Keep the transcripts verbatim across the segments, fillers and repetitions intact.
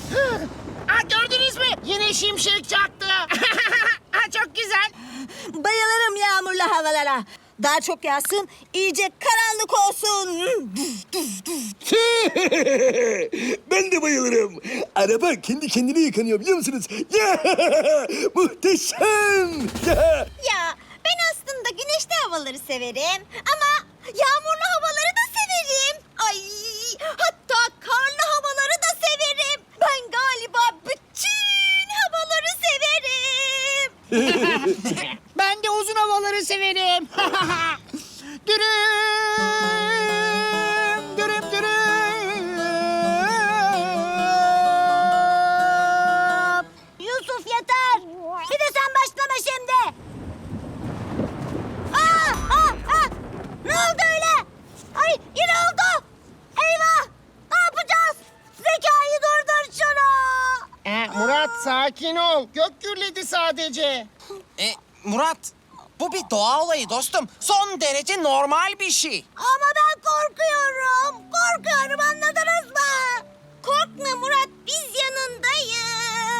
Aa, gördünüz mü? Yine şimşek çaktı. Aa, çok güzel. Bayılırım yağmurlu havalara. Daha çok yağsın, iyice karanlık olsun. Ben de bayılırım. Araba kendi kendine yıkanıyor biliyor musunuz? Ya, muhteşem. Ya. Ya ben aslında güneşli havaları severim ama yağmurlu havaları da severim. Ay hatta karlı havaları da severim. Ben galiba bütün havaları severim. Ben de uzun havaları severim. Dürüm, dürüm, dürüm. Yusuf yeter. Bir de sen başlama şimdi. Aa, aa, aa. Ne oldu öyle? Ay yine oldu. Eyvah. Ne yapacağız? Zekai durdur şunu. Ee, Murat sakin ol. Gök gürledi sadece. E, Murat, bu bir doğa olayı dostum. Son derece normal bir şey. Ama ben korkuyorum. Korkuyorum anladınız mı? Korkma Murat biz yanındayız.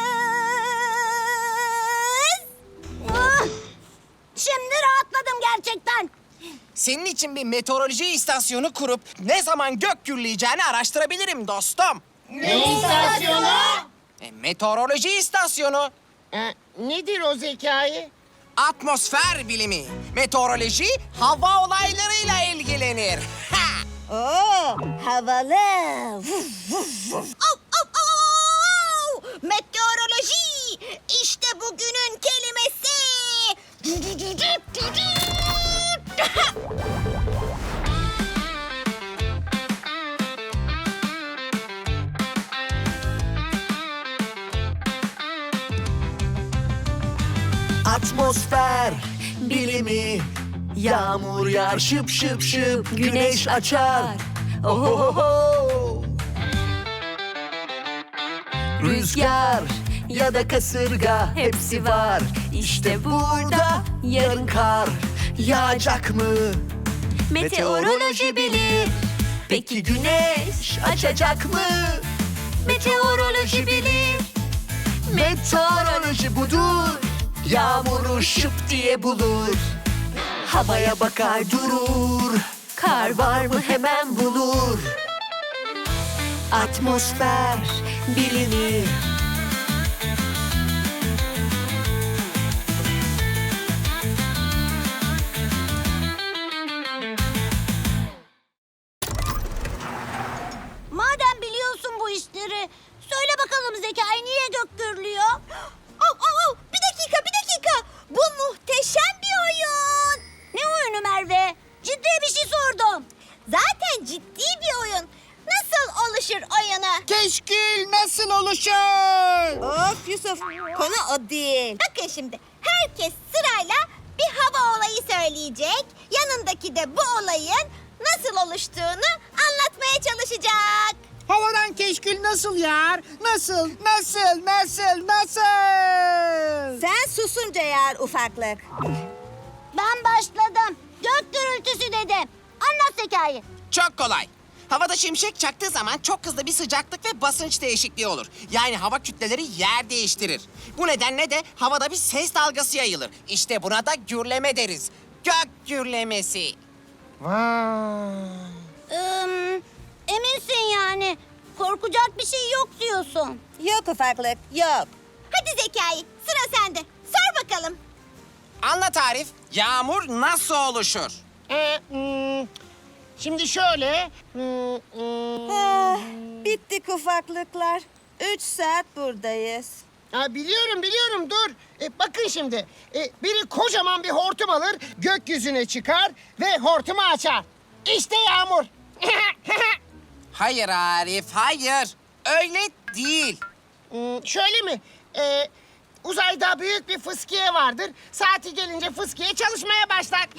Ah, şimdi rahatladım gerçekten. Senin için bir meteoroloji istasyonu kurup ne zaman gök gürleyeceğini araştırabilirim dostum. Ne istasyonu? E, meteoroloji istasyonu. Ee, nedir o Zekai? Atmosfer bilimi. Meteoroloji hava olaylarıyla ilgilenir. Ha! Oo, havalı. Vuf, vuf, vuf. Au, au, au! Meteoroloji. İşte bugünün kelimesi. Atmosfer bilimi. Yağmur yağar şıp şıp şıp, güneş açar. Ohohoho. Rüzgar ya da kasırga hepsi var. İşte burada yarın kar yağacak mı? Meteoroloji bilir. Peki güneş açacak mı? Meteoroloji bilir. Meteoroloji budur. Yağmuru şıp diye bulur. Havaya bakar durur. Kar var mı hemen bulur. Atmosfer bilimi. Madem biliyorsun bu işleri, söyle bakalım Zekai niye gök gürlüyor? Au, au, au, bir dakika, bir dakika. Bu muhteşem bir oyun. Ne oyunu Merve? Ciddi bir şey sordum. Zaten ciddi bir oyun. Nasıl oluşur oyunu? Keşkül nasıl oluşur? Of Yusuf, konu o değil. Bakın şimdi, herkes sırayla bir hava olayı söyleyecek. Yanındaki de bu olayın nasıl oluştuğunu anlatmaya çalışacak. Havadan keşkül nasıl yağar? Nasıl, nasıl, nasıl, nasıl? Sen susunca yağar ufaklık. Ben başladım. Gök gürültüsü dedim. Anlat Zekai. Çok kolay. Havada şimşek çaktığı zaman çok hızlı bir sıcaklık ve basınç değişikliği olur. Yani hava kütleleri yer değiştirir. Bu nedenle de havada bir ses dalgası yayılır. İşte buna da gürleme deriz. Gök gürlemesi. Vay. Ee, eminsin yani. Korkacak bir şey yok diyorsun. Yok ufaklık, yok. Hadi Zekai, sıra sende. Sor bakalım. Anlat Arif, yağmur nasıl oluşur? Ee, hmm, şimdi şöyle. hmm, hmm. Ah, bittik ufaklıklar. Üç saat buradayız. Ha, biliyorum biliyorum dur. E, bakın şimdi. E, biri kocaman bir hortum alır, gökyüzüne çıkar ve hortumu açar. İşte yağmur. Hayır Arif, hayır. Öyle değil. Hmm, şöyle mi? E, uzayda büyük bir fıskiye vardır. Saati gelince fıskiye çalışmaya başlar.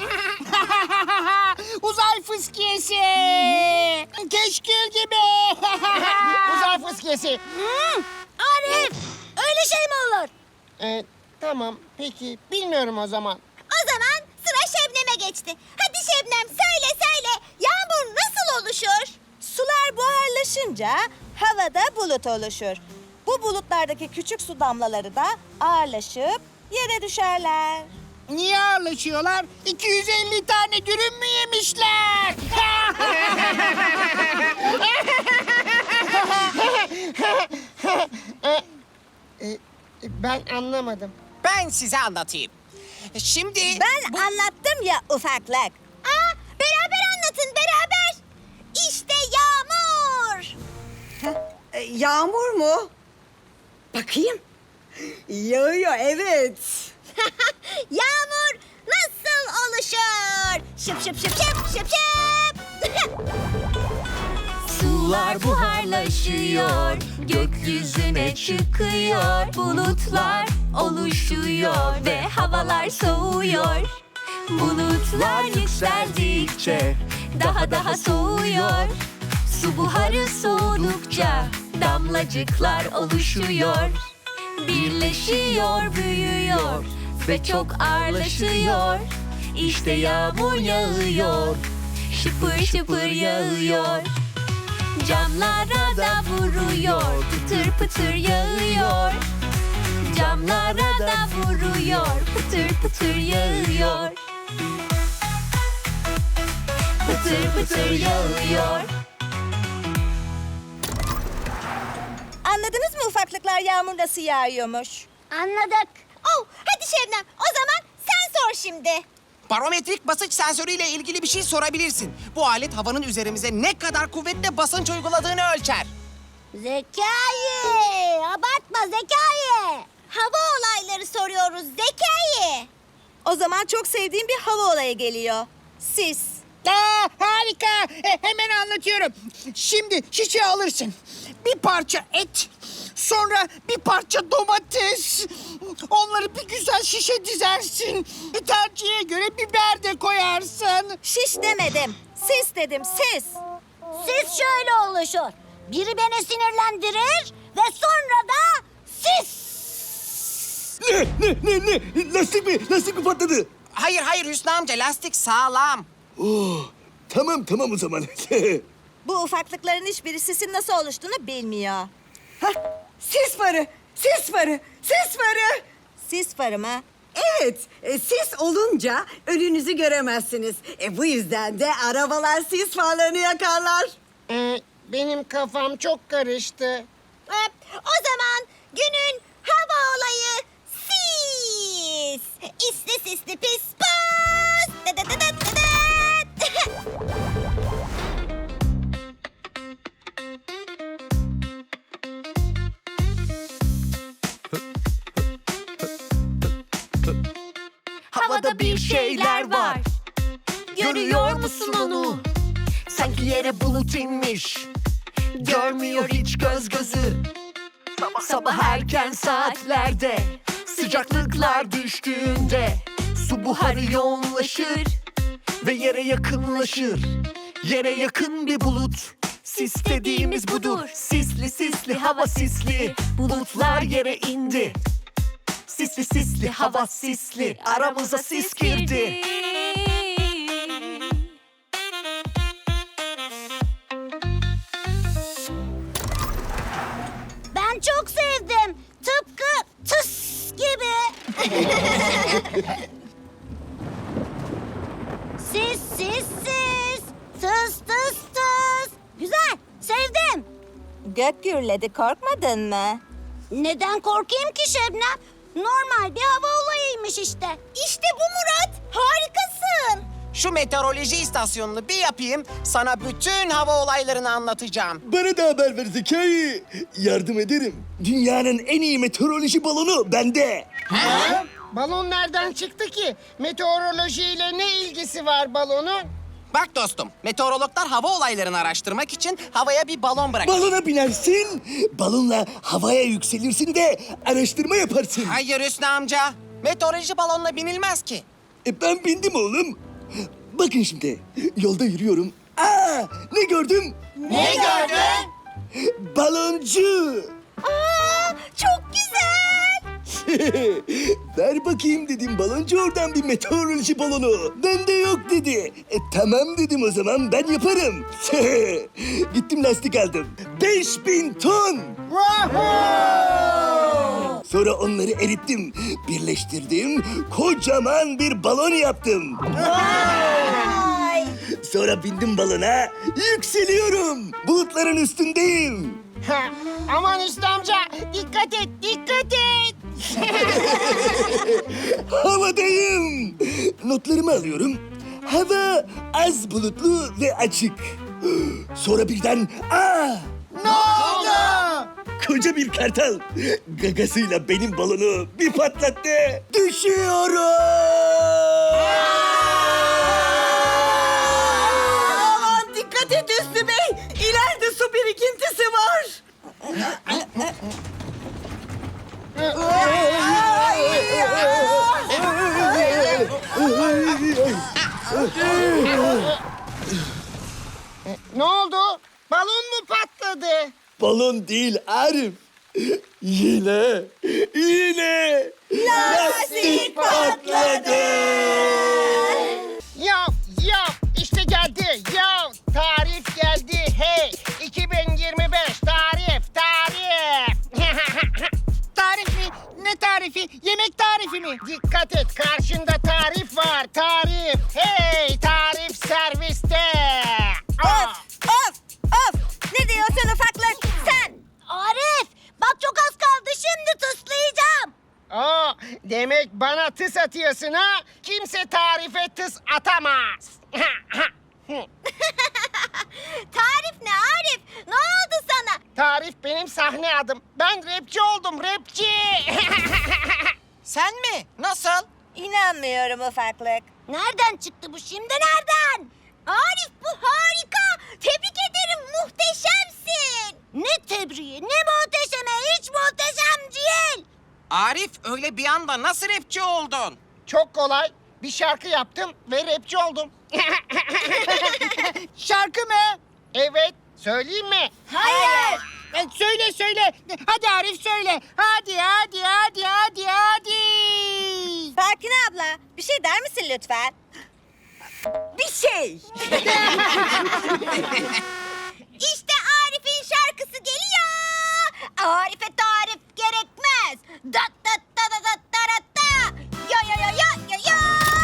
Uzay fıskiyesi. Keşkül gibi. Uzay fıskiyesi. Hmm, Arif, öyle şey mi olur? E, tamam peki bilmiyorum o zaman. O zaman sıra Şebnem'e geçti. Hadi Şebnem söyle söyle. Yağmur nasıl oluşur? Sular buharlaşınca havada bulut oluşur. Bu bulutlardaki küçük su damlaları da ağırlaşıp yere düşerler. Niye ağırlaşıyorlar? iki yüz elli tane dürüm mü yemişler? E, e, ben anlamadım. Ben size anlatayım. Şimdi... Ben anlattım ya ufaklık. Aa, beraber anlatın beraber. İşte yağmur. E, Yağmur mu? Bakayım. Yağıyor, evet. Yağmur nasıl oluşur? Şıp şıp şıp şıp şıp şıp. Sular buharlaşıyor, gökyüzüne çıkıyor. Bulutlar oluşuyor ve havalar soğuyor. Bulutlar yükseldikçe daha daha soğuyor. Su buharı soğudukça damlacıklar oluşuyor. Birleşiyor, büyüyor ve çok ağırlaşıyor. İşte yağmur yağıyor, şıpır şıpır yağıyor. Camlara da vuruyor, pıtır pıtır yağıyor. Camlara da vuruyor, pıtır pıtır yağıyor. Pıtır pıtır yağıyor. Anladınız mı ufaklıklar yağmur nasıl yağıyormuş? Anladık. Oh, hadi Şebnem o zaman sen sor şimdi. Barometrik basınç sensörüyle ilgili bir şey sorabilirsin. Bu alet havanın üzerimize ne kadar kuvvetle basınç uyguladığını ölçer. Zekai, abartma Zekai. Hava olayları soruyoruz Zekai. O zaman çok sevdiğim bir hava olayı geliyor. Sis. Aa, harika. E, hemen anlatıyorum. Şimdi şişe alırsın. Bir parça et, sonra bir parça domates. Onları bir güzel şişe dizersin. Bir tercihe göre biber de koyarsın. Şiş demedim. Sis dedim, sis. Sis şöyle oluşur. Biri beni sinirlendirir ve sonra da sis. Ne ne ne ne? Lastik mi? Lastik mi patladı? Hayır hayır Hüsnü amca, lastik sağlam. Oh, tamam tamam o zaman. Bu ufaklıkların hiçbiri sisin nasıl oluştuğunu bilmiyor. Hah, sis farı, sis farı, sis farı. Sis farı mı? Evet, e, sis olunca önünüzü göremezsiniz. E, bu yüzden de arabalar sis farlarını yakarlar. Ee, benim kafam çok karıştı. Hop, o zaman günün hava olayı sis. İsli sisli pis pis. Dı dı dı dı dı dı. Havada bir şeyler var. Görüyor musun onu? Sanki yere bulut inmiş. Görmüyor hiç göz gözü. Sabah erken saatlerde sıcaklıklar düştüğünde su buharı yoğunlaşır ve yere yakınlaşır. Yere yakın bir bulut. Sis dediğimiz budur. Sisli sisli hava sisli. Bulutlar yere indi. Sisli sisli hava sisli. Aramıza sis girdi. Ben çok sevdim. Tıpkı tıs gibi. Sis sis sis. Tıs tıs tıs. Güzel, sevdim. Gök gürledi, korkmadın mı? Neden korkayım ki Şebnem? Normal bir hava olayıymış işte. İşte bu Murat. Harikasın. Şu meteoroloji istasyonunu bir yapayım, sana bütün hava olaylarını anlatacağım. Bana da haber ver Zekai. Yardım ederim. Dünyanın en iyi meteoroloji balonu bende. Balon nereden çıktı ki? Meteorolojiyle ne ilgisi var balonun? Bak dostum, meteorologlar hava olaylarını araştırmak için havaya bir balon bırakır. Balona binersin, balonla havaya yükselirsin de araştırma yaparsın. Hayır Hüsnü amca, meteoroloji balonla binilmez ki. E ben bindim oğlum. Bakın şimdi, yolda yürüyorum. Aa, ne gördüm? Ne gördün? Baloncu. Aa, çok güzel. Ver bakayım dedim baloncu oradan bir meteoroloji balonu. Bende yok dedi. E, tamam dedim o zaman ben yaparım. Gittim lastik aldım. Beş bin ton. Wahoo! Sonra onları erittim, birleştirdim, kocaman bir balon yaptım. Ay. Sonra bindim balona, yükseliyorum. Bulutların üstündeyim. Ha, aman Hüsnü amca dikkat et dikkat et. Havadayım. Notlarımı alıyorum. Hava az bulutlu ve açık. Sonra birden aa! Ne oldu? Koca bir kartal gagasıyla benim balonu bir patlattı. Düşüyorum. Aman dikkat et Hüsnü Bey. İleride su birikintisi var. Ne oldu? Balon mu patladı? Balon değil Arif. Yine, yine lastik patladı. Ya ya işte geldi ya tarif geldi hey iki bin yirmi beş tarif tarif. Tarif mi? Ne tarifi? Yemek tarifi mi? Dikkat et karşında tarif var tarif. Hey tarif serviste. Aa. Of of of. Ne diyorsun ufaklık sen? Arif bak çok az kaldı şimdi tıslayacağım. Aa, demek bana tıs atıyorsun ha? Kimse tarife tıs atamaz. Tarif ne Arif? Ne oldu sana? Tarif benim sahne adım. Ben rapçi oldum, rapçi. Sen mi? Nasıl? İnanmıyorum ufaklık. Nereden çıktı bu şimdi nereden? Arif bu harika. Tebrik ederim muhteşemsin. Ne tebriği ne muhteşeme hiç muhteşem değil. Arif öyle bir anda nasıl rapçi oldun? Çok kolay. Bir şarkı yaptım ve rapçi oldum. Şarkı mı? Evet. Söyleyeyim mi? Hayır. E, söyle söyle. Hadi Arif söyle. Hadi hadi hadi hadi hadi. Sakine abla bir şey der misin lütfen? Bir şey. İşte Arif'in şarkısı geliyor. Arif'e tarif gerekmez. Dat dat da da da da da da. Ya ya ya ya ya ya.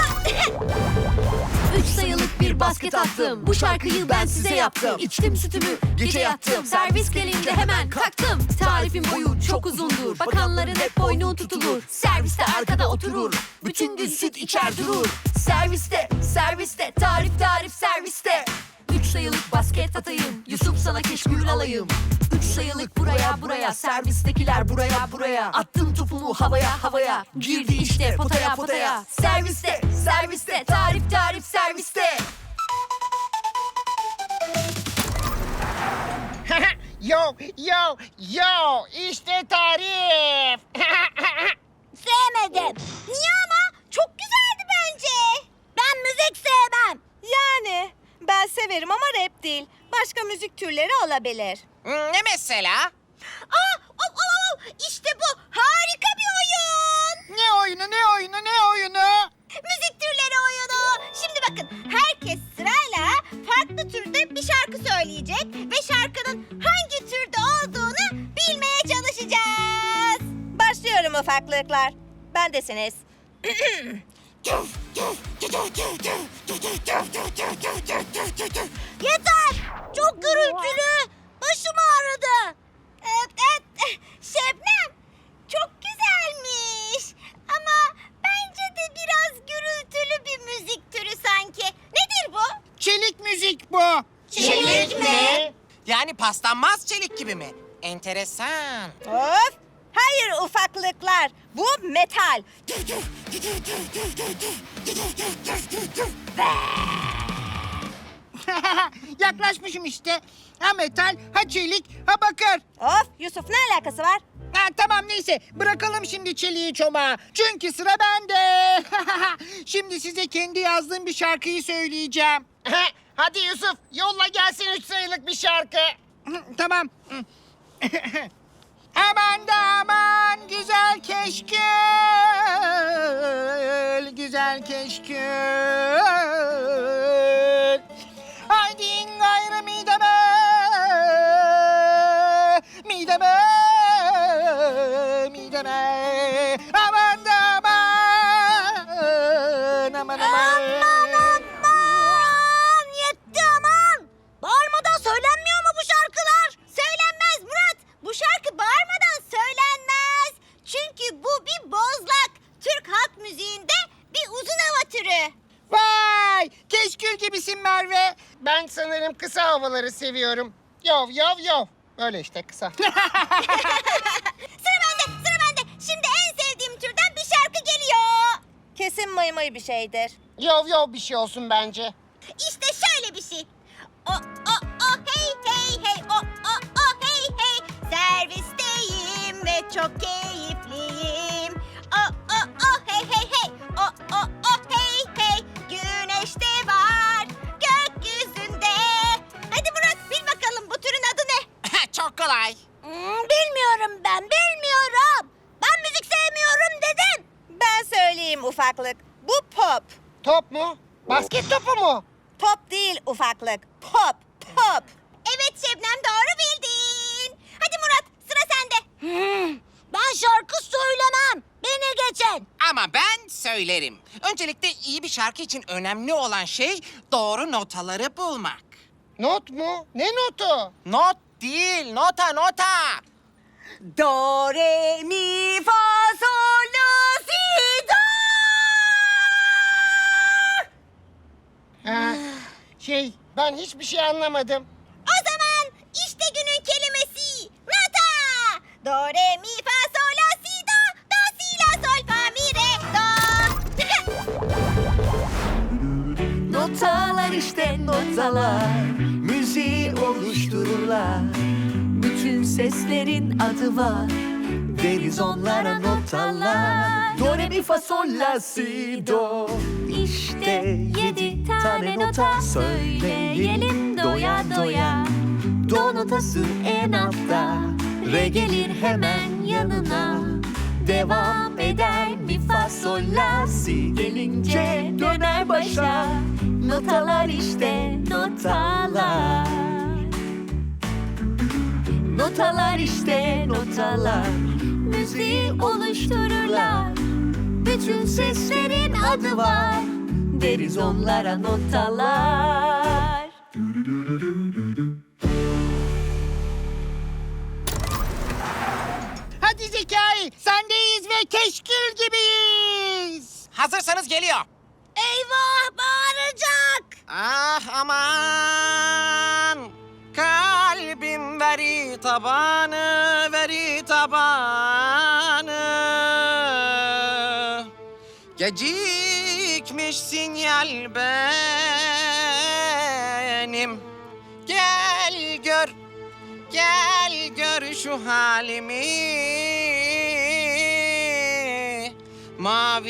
Üç sayılık bir basket attım. Bu şarkıyı ben size yaptım. İçtim sütümü, gece yattım. Servis gelince hemen kalktım. Tarifin boyu çok uzundur. Bakanların hep boynu tutulur. Serviste arkada oturur. Bütün gün süt içer durur. Serviste, serviste, tarif tarif serviste. Üç sayılık basket atayım. Yusuf sana keşkül alayım. Üç sayılık buraya buraya. Servistekiler buraya buraya. Attım topumu havaya havaya. Girdi işte potaya potaya. Serviste, serviste, tarif tarif serviste. Yo yo yo. İşte tarif. Sevmedim. Niye ama? Çok güzeldi bence. Ben müzik sevmem. Yani ben severim ama rap değil. Başka müzik türleri olabilir. Hmm, Ne mesela? Aa, oh, oh, oh. İşte bu harika bir oyun. Ne oyunu ne oyunu ne oyunu? Müzik türleri oyunu. Şimdi bakın herkes sırayla farklı türde bir şarkı söyleyecek ve şarkının hangi türde olduğunu bilmeye çalışacağız. Başlıyorum ufaklıklar. Bendesiniz. Yeter! Çok gürültülü. Başım ağrıdı. Evet, evet. Şebnem, çok güzelmiş. Ama bence de biraz gürültülü bir müzik türü sanki. Nedir bu? Çelik müzik bu. Çelik mi? Yani paslanmaz çelik gibi mi? Enteresan. Of! Hayır ufaklıklar. Bu metal. Yaklaşmışım işte. Ha metal, ha çelik, ha bakır. Of! Yusuf ne alakası var? Ha, tamam neyse bırakalım şimdi çeliği çomağa. Çünkü sıra bende. Şimdi size kendi yazdığım bir şarkıyı söyleyeceğim. Hadi Yusuf yolla gelsin üç sayılık bir şarkı. Tamam. Aman da aman güzel keşkül, güzel keşkül. Haydi gayrı mideme, mideme, mideme. Aman da aman. Aman aman. Aman aman! Yetti aman! Bağırmadan söylenmiyor mu bu şarkılar? Söylenmez Murat. Bu şarkı bağırmadan söylenmez. Çünkü bu bir bozlak. Türk halk müziğinde bir uzun hava türü. Vay! Keşkül gibisin Merve. Ben sanırım kısa havaları seviyorum. Yov yov yov. Öyle işte kısa. Sıra bende, sıra bende. Şimdi en sevdiğim türden bir şarkı geliyor. Kesin mıy mıy bir şeydir. Yov yov bir şey olsun bence. İşte şöyle bir şey. O o o hey hey hey o o o hey hey. Servisteyim ve çok keyifliyim. O o o hey hey hey. O o o hey hey. Güneş de var gökyüzünde. Hadi Murat bil bakalım bu türün adı ne? Çok kolay. Hmm, bilmiyorum ben bilmiyorum. Ben müzik sevmiyorum dedim. Ben söyleyeyim ufaklık. Bu pop. Top mu? Basket topu mu? Top değil ufaklık. Pop, pop. Evet Şebnem doğru bildin. Hadi Murat sıra sende. Hmm, ben şarkı söylemem. Beni geçen. Ama ben söylerim. Öncelikle iyi bir şarkı için önemli olan şey doğru notaları bulmak. Not mu? Ne notu? Not değil, nota nota. Do, re, mi, fa, sol, la, si, do. Ha, şey, ben hiçbir şey anlamadım. O zaman işte günün kelimesi. Nota. Do, re, mi, fa, sol, la, si, do. Do, si, la, sol, fa, mi, re, do. Notalar işte notalar, müziği oluştururlar. Bütün seslerin adı var, deriz onlara notalar. Do, re, mi, fa, sol, la, si, do. İşte yedi tane nota söyleyelim doya doya. Do notası en altta, re gelir hemen yanına. Devam eder mi fa sol la si gelince döner başa. Notalar işte notalar. Notalar işte notalar, müziği oluştururlar. Bütün seslerin adı var, deriz onlara notalar. Hadi Zekai, sendeyiz ve keşkül gibiyiz. Hazırsanız geliyor. Eyvah bağıracak. Ah aman. Kalbim veri tabanı, veri tabanı. Gecikmiş sinyal benim. Gel gör, gel gör şu halimi. Mavi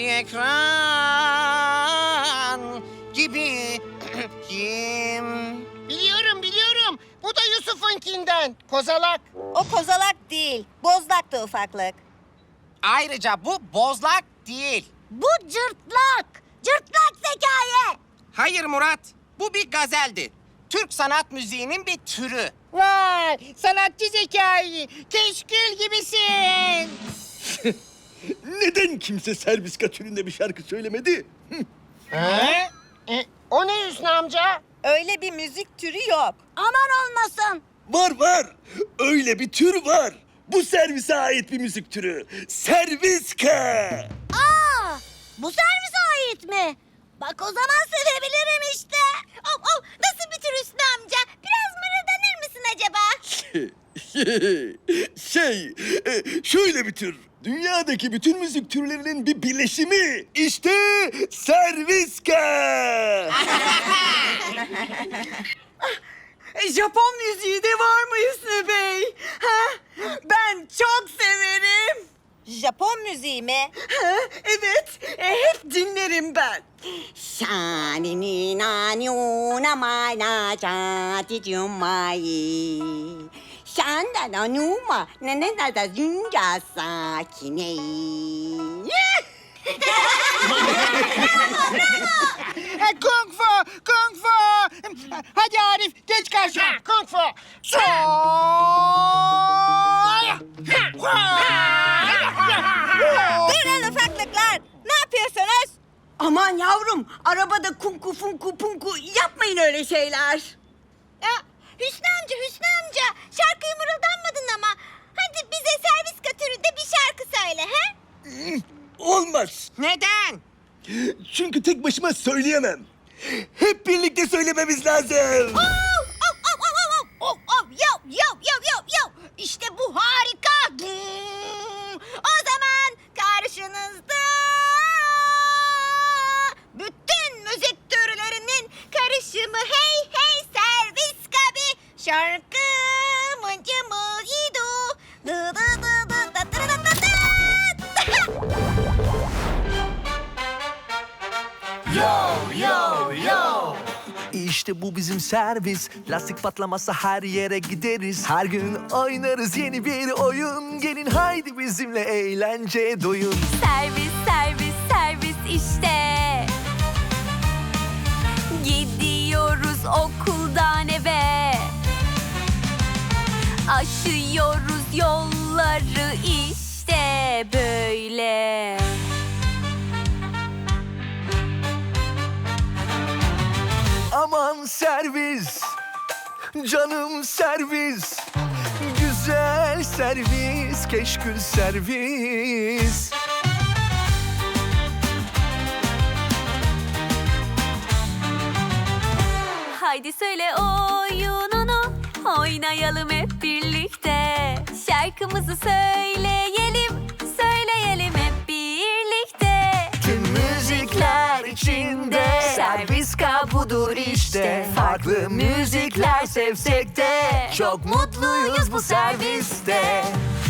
ekran gibi kim? Biliyorum, biliyorum. Bu da Yusuf'unkinden. Kozalak. O kozalak değil. Bozlaktı ufaklık. Ayrıca bu bozlak değil. Bu cırtlak. Cırtlak Zekai. Hayır Murat, bu bir gazeldi. Türk sanat müziğinin bir türü. Vay, sanatçı Zekai. Keşkül gibisin. Neden kimse serviska türünde bir şarkı söylemedi? He? E, o ne Hüsnü amca? Öyle bir müzik türü yok. Aman olmasın. Var var. Öyle bir tür var. Bu servise ait bir müzik türü. Serviska. Aa, bu servise ait mi? Bak o zaman sevebilirim işte. Oh, oh, nasıl bir tür Hüsnü amca? Biraz mırıldanır mısın acaba? şey, e, şöyle bir tür. Dünyadaki bütün müzik türlerinin bir birleşimi. İşte serviska. E, Japon müziği de var mı Hüsnü Bey? Ha? Ben çok severim. Japon müziği mi? Ha? Evet, e, hep dinlerim ben. Shani ni na nyu na mai na cha ti ju mai. Shan da na nu ma na na da da jun ja sa ki ne. E, kung fu, kung fu. Hadi Arif, geç karşıma. Kung fu. Sol. Dur Tamam, arabada kunku funku punku yapmayın öyle şeyler. Ya, Hüsnü amca, Hüsnü amca. Şarkıyı mırıldanmadın ama. Hadi bize servis katöründe bir şarkı söyle he? Olmaz. Neden? Çünkü tek başıma söyleyemem. Hep birlikte söylememiz lazım. Oh, oh, oh, oh, oh, oh, oh, yo, yo, yo, yo, yo. İşte bu harika. Hmm. O zaman karşınızda bütün müzik türlerinin karışımı hey hey servis kabi. Şarkı mıncımız idu. Dı dı dı dı dı dı dı dı dı. İşte bu bizim servis. Lastik patlamasa her yere gideriz. Her gün oynarız yeni bir oyun. Gelin haydi bizimle eğlence doyun. Servis, servis, servis işte. Gidiyoruz okuldan eve. Aşıyoruz yolları işte böyle. Aman servis, canım servis. Güzel servis, keşkül servis. Haydi söyle oyununu, oynayalım hep birlikte. Şarkımızı söyleyelim, söyleyelim hep birlikte. Tüm müzikler içinde Serviska budur işte. Farklı müzikler sevsek de çok mutluyuz bu serviste.